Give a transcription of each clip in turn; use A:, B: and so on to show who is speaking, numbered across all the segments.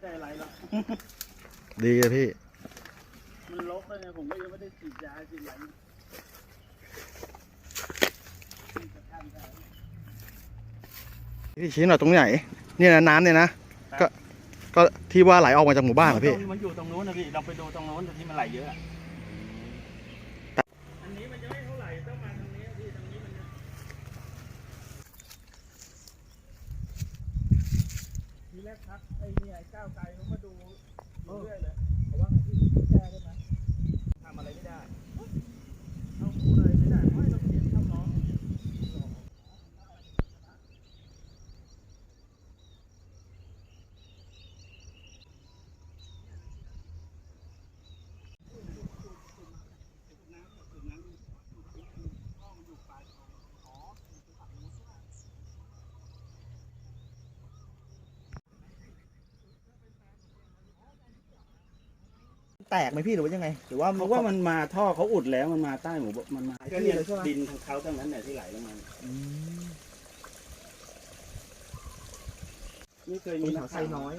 A: ได้อะไรหรอก
B: ดีอะพี่
A: มันลกเลยเนี่ยผมก็ยังไม่ได้ฉีดยาฉีดอะไร
B: พี่ชี้หน่อยตรงไหนเนี่ยนะน้ำเนี่ยนะก็ที่ว่าไหลออกมาจากหมู่บ้านเหรอพี่
A: มันอยู่ตรงนู้นนะพี่เราไปดูตรงนู้นที่มันไหลเยอะอันนี้มันจะไม่เท่าไหร่ต้องมาตรงนี้พี่ตรงนี้มันทีแรกพักไอ้นี่ไอ้ก้าวไกลเขามาดูเรื่อยเลยเขาว่าไงพี่แก้ได้ไหมทำอะไรไม่ได้เอาพูดอะไรไม่ได้ไม่ต้องเขียนคำร้อง
B: แตกไหมพี่หรือว่ายังไงหรือว่า
A: เพราะว่ามันมาท่อเขาอุดแล้วมันมาใต้หมู่มันมาก็เนี่ยดินของเขาทั้งนั้นเนี่ยที่ไหลลงมาไม่เคยมี
B: น้ำน้อย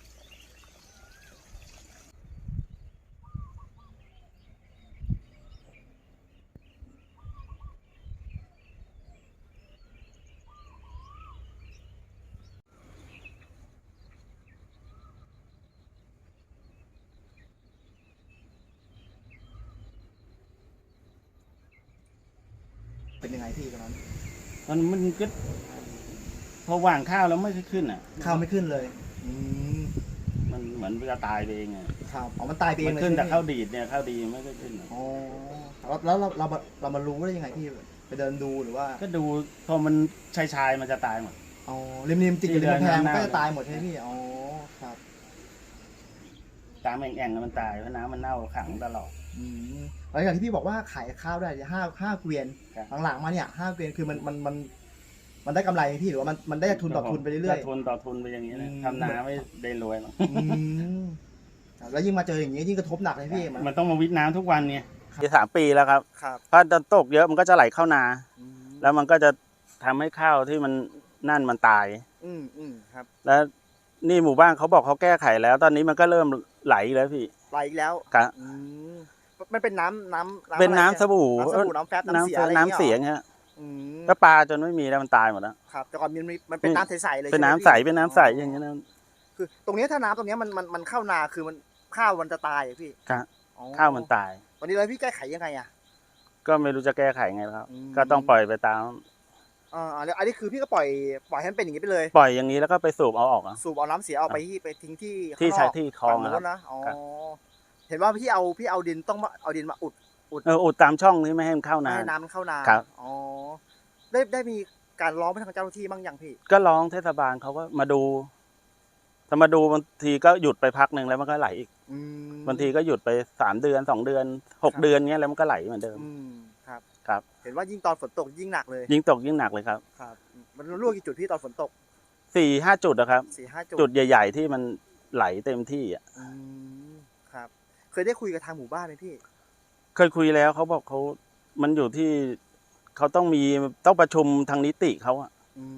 B: เป็นยังไงพี่ตอนนั้น
A: มันก็พอว่างข้าวแล้วไม่ขึ้นอ่ะ
B: ข้าวไม่ขึ้นเลย
A: มันเหมือนจะตายไปเองอ่ะ
B: ครับอ๋อมันตายไปเอง
A: เลยขึ้นแต่ข้าวดีดเนี่ยข้าวดีไม่ได้ขึ้น
B: อ๋อแล้วเรามารู้ได้ยังไงพี่ไปเดินดูหรือว่า
A: ก็ดูพอมันชายมันจะตายหมด
B: อ๋อริมติดอยู่ในกำแพงมันก็จะตายหมดใช่ไหมพี่อ๋อครับ
A: ตามแอ่งมันตายเพราะน้ำมันเน่าขังตลอด
B: แล้วอย่างที่พี่บอกว่าขายข้าวได้ห้าเกวียนหลังๆมาเนี่ย5 เกวียนคือมันได้กำไรพี่หรือว่ามันได้ทุนต่อทุนไปเรื่อย
A: ๆทุนต่อทุนไปอย่างนี้นะทำนาไม่ได้รวยหรอก
B: แล้วยิ่งมาเจออย่างนี้ยิ่งกระทบหนักเลยพี่
A: มันต้องมาวิทน้ำทุกวันเนี่ย3 ปีแล้วครับถ้าตกเยอะมันก็จะไหลเข้านาแล้วมันก็จะทำให้ข้าวที่มันตาย
B: ครับ
A: แล้วนี่หมู่บ้านเขาบอกเขาแก้ไขแล้วตอนนี้มันก็เริ่มไหลแล้วพี่
B: ไหลแล้ว
A: ครับ
B: มันเป็นน้ำ
A: เป็นน้ำสบู่
B: น้ำแฟบน้ำเสีย
A: น้ำเสียงฮะก็ปลาจนไม่มีแล้วมันตายหมดแล้ว
B: ครับแต่ก่อนมันเป็นน้ำใสๆเลย
A: เป็นน้ำใสอย่างเงี้ยนะ
B: คือตรงนี้ถ้าน้ำตรงนี้มันเข้านาคือมันข้าวมันจะตายพี่
A: ครับข้าวมันตาย
B: วันนี้แล้วพี่แก้ไขยังไงอ่ะ
A: ก็ไม่รู้จะแก้ไขไงครับก็ต้องปล่อยไปตาม
B: แล้วอันนี้คือพี่ก็ปล่อยให้มันเป็นอย่างนี้ไปเลย
A: ปล่อยอย่างนี้แล้วก็ไปสูบเอาออก
B: สูบเอาน้ำเสียเอาไปทิ้ง
A: ที่ใช้ที่คลอง
B: นะเห็นว่าพี่เอาดินต้องเอาดินมาอุ
A: ดตามช่องนี้ไม่ให้มันเข้านา
B: ให้น้ำมันเข้านาอ๋อได้มีการร้องไปทางเจ้าหน้าที่บ้างยังพี่
A: ก็ร้องเทศบาลเขาก็มาดูถ้ามาดูบางทีก็หยุดไปพักหนึ่งแล้วมันก็ไหลอีกบางทีก็หยุดไป3 เดือน2 เดือน6 เดือนเงี้ยแล้วมันก็ไหลเหมือนเดิมครับ
B: เห็นว่ายิ่งตอนฝนตกยิ่งหนักเลย
A: ยิ่งตกยิ่งหนักเลยครับ
B: มันรั่วกี่จุดพี่ตอนฝนตก
A: 4-5 จุดนะครับจุดใหญ่ๆที่มันไหลเต็มที่อ่ะ
B: ครับเคยได้คุยกับทางหมู่บ้านไหมพี่
A: เคยคุยแล้วเขาบอกมันอยู่ที่เขาต้องประชุมทางนิติเขาอ่ะ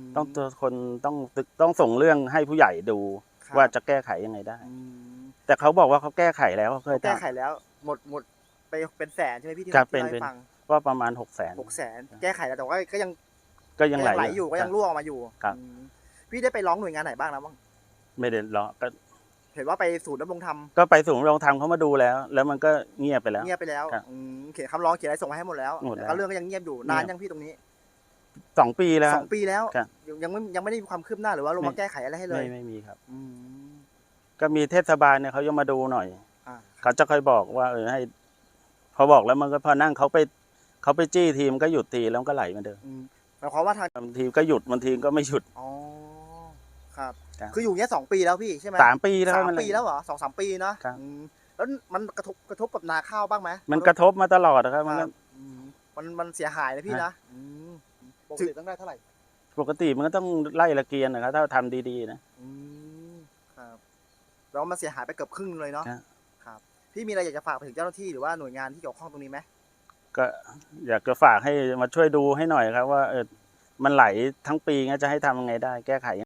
A: ต้องส่งเรื่องให้ผู้ใหญ่ดูว่าจะแก้ไขยังไงได้แต่เขาบอกว่าเขาแก้ไขแล้วเขาเคย
B: แก้ไขแล้วหมดไปเป็นแสนใช่ไหมพี่ที่
A: ได้ฟังว่าประมาณ
B: 600,000แก้ไขแล้วแต่ว่าก็
A: ยังไหล
B: อยู่ก็ยังรั่วมาอยู่
A: ครับ
B: พี่ได้ไปร้องหน่วยงานไหนบ้างแล้วบ้าง
A: ไม่ได้ร้องก็
B: เห็นว่าไปศูนย์ดำรงธรรม
A: ก็ไปศูนย์ดำรงธรรมเขามาดูแล้วมันก็เงียบไปแล้ว
B: เขียนคำร้องเขียนอะไรส่งมาให้หมดแล้วแต่เรื่องก็ยังเงียบอยู่นานยังพี่ตรงนี้
A: 2 ปีแล้ว
B: 2 ปีแล้วยังไม่ได้มีความคืบหน้าหรือว่าลงมาแก้ไขอะไรให้เลย
A: ไม่มีครับก็มีเทศบาลเนี่ยเขายังมาดูหน่อยเขาจะค่อยบอกว่าให้พอบอกแล้วมันก็พอนั่งเขาไปจี้ทีมก็หยุดทีแล้วก็ไหลมาเดิม
B: หมายความว่าทาง
A: ทีมก็หยุดบางทีก็ไม่หยุด
B: ครับคืออยู่เนี้ย2 ปีแล้วพี่ใช่ไหม
A: 3 ปีแล้ว
B: 3 ปีแล้วเหรอ2-3 ปีนะแล้วมันกระทบกับนาข้าวบ้างไหม
A: มันกระทบมาตลอดนะครับ
B: มันเสียหายนะพี่นะปกติต้องได้เท่าไหร่
A: ปกติมันก็ต้องไล่ละเกียร์นะครับถ้าทำดีๆ
B: นะครับแล้วมันเสียหายไปเกือบครึ่งเลยเนาะครับพี่มีอะไรอยากจะฝากไปถึงเจ้าหน้าที่หรือว่าหน่วยงานที่เกี่ยวข้องตรงนี้ไหม
A: ก็อยากจะฝากให้มาช่วยดูให้หน่อยครับว่ามันไหลทั้งปีงั้นจะให้ทำยังไงได้แก้ไข